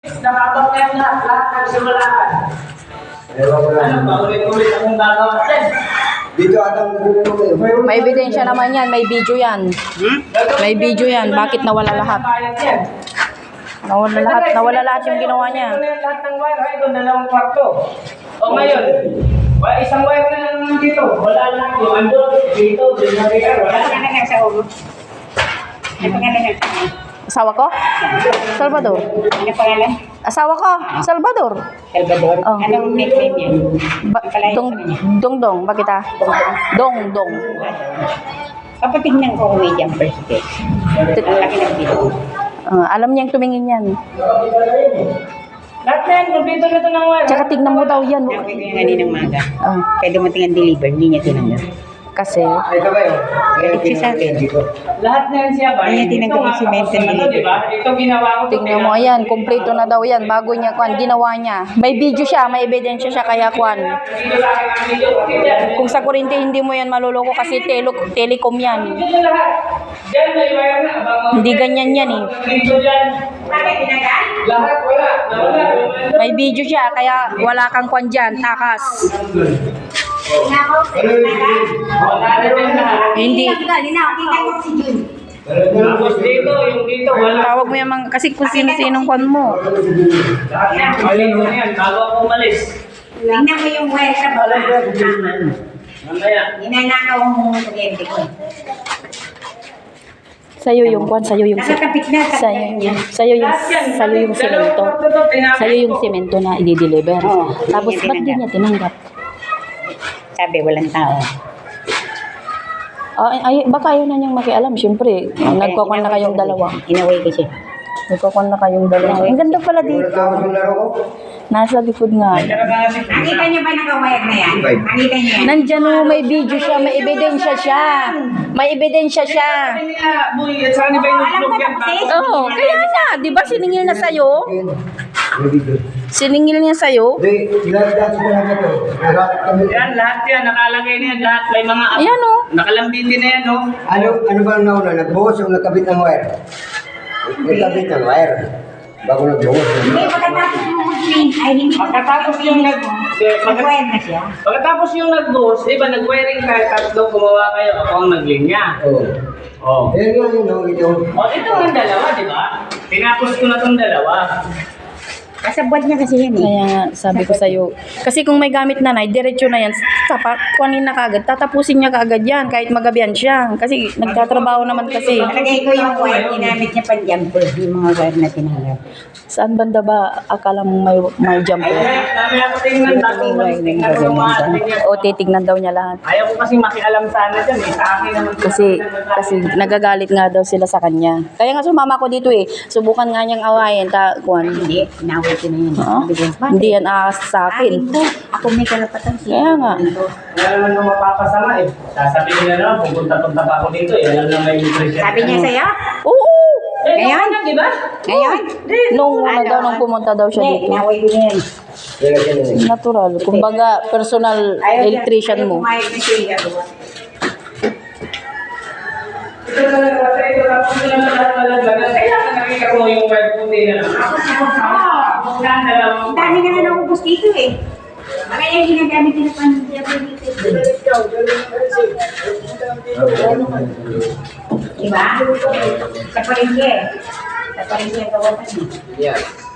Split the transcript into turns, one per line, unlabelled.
Nakabak na yung lahat nagsimulaan. Ano ba, ulit-ulit akong gagawa natin?
Dito atang
May ebidensya naman yan, may video yan. May video yan, bakit nawala lahat? Nawala lahat yung ginawa niya.
Lahat ng wire, ay doon, 2 kwarto. O ngayon, isang wire na lang dito. Wala lang yung andon, dito, wala
Pangalan sa ulo. Ano pangalan ng
Asawa ko? Salvador.
Ano pangalan?
Asawa ko? Salvador.
Salvador.
Oh.
Anong nickname niya?
Dong, bakit ah? Dong.
Papatignan ko kung may jumper stick. Ang laki ng video.
Alam niyang tumingin yan.
Lahat na yan, kompleto na ito ng wire.
Tsaka tignan mo daw yan.
Nakuha ko yung kaninang maga.
Ah,
Kaya dumating ang deliver, hindi niya tinanggap.
kasi,
ito ba yun?
Galit siya sa akin.
Lahat na yan siya ba?
Kaya tinanggap yung cement and deliver.
Diba? Ito ginawa ko.
tignan mo yan, kompleto na daw yan, bago niya kwan, ginawa niya. May video siya, may ebidensya siya, kaya kwan.
Dito sa akin ang video.
Kung sa kurente, hindi mo yan maluloko kasi telecom yan.
Dito lahat. Diyan may wire na.
Hindi ganyan yan eh.
Dito dyan.
Bakit tinagal?
Lahat wala. Nawala.
May video siya, kaya wala kang kwan dyan, takas.
Wala na dyan lahat.
Hindi.
Tapos dito, yung dito, wala.
Tawag mo yung mga, kasi kung sino-sinong kwan mo.
Lahat yan. Mali ko na yan. Bago ako umalis.
Tingnan mo yung wire sa baba.
Mamaya.
Ninanakaw mo yung kuryente ko.
Sa'yo yung kwan, sa'yo yung
Nakakapit na.
sa'yo yung semento. Sa'yo yung semento na i-deliver.
Oo,
Tapos
hindi
ba't di niya tinanggap?
Sabi, walang tao.
Baka ayaw na niyang makialam. Siyempre, nagkakwan na kayong dalawa.
Inaway ko siya.
Nagkakwan na kayong dalawa. Ang ganda pala dito.
Yung laro ko?
Nasa likod nga.
Nakita niyo ba nakawire na yan? Nakita niyo yan?
Nandyan o, may video siya, may ebidensya siya. May ebidensya siya.
Alam ko tapos
Oo, kaya nga, di ba siningil na sa'yo?
May video.
Siningil niya sa'yo?
Hindi, sinabi ko na ito. Lahat kami.
Yan, lahat yan. Nakalagay na yan. Lahat. May mga
Ayan o.
nakalambiti na yan, no?
Ano ba nauna? Nagbuhos o nagkabit ng wire? Nagkabit ng wire. Bago nagbuhos.
Hindi, pagkatapos mo mag-clean, ay hindi
Pagkatapos yung
nag-wire na siya.
Pagkatapos yung nag-boss, di ba, nag-wiring kayo, tatlo gumawa kayo, ako ang naglinya.
Oo.
Oh.
Ayan nga yun, no? Ito.
O, ito ang dalawa, di ba? Tinapos ko na itong dalawa.
Kasabwat niya kasi yan eh.
Kaya nga, sabi ko sa'yo. Kasi kung may gamit nanay, diretso na yan. Kuhanin na kagad. Tatapusin niya kagad yan, kahit magabihan siya. Kasi nagtatrabaho naman kasi.
Palagay ko yung wire, ginamit niya pang jumper, yung mga wire na tinanggap.
Saan banda ba akala mo may jumper?
Ay, dami ako tingnan, dami tingnan ko yung mga tingnan.
O titignan daw niya lahat.
Ayaw ko kasi makialam sana dyan, eh. Sa akin naman.
Kasi nagagalit nga daw sila sa kanya. Kaya nga sumama ko dito eh. Subukan nga niyang awayin.
Hindi, inaway ko na yan.
Oh,
Sabi ko, "Bakit?
hindi yan aas sa
Akin
akin.
to. Ako may karapatan siya.
Kaya nga.
Wala naman nung mapapasama, eh. Sasabihin na naman, pupunta-punta pa ako dito, eh. Alam na may nutrition.
Sabi niya sa'yo?
Oo!
Eh,
Ngayon?
ngayon, di ba?
Ngayon?
Nung una daw, nung pumunta daw siya
Hindi,
dito.
inaway ko na yan.
Natural. Kumbaga, personal electrician mo.
Ayaw na siya.
Ito na lang, ito na lang, ito na lang, talaga. Kailangan nakita ko yung web puti na lang. Wala na lang.
Ang dami na na naubos dito eh. Kaya yung ginagamit nila pang diba? Sa palengke. Sa palengke ang gawa pa niya.
Yeah.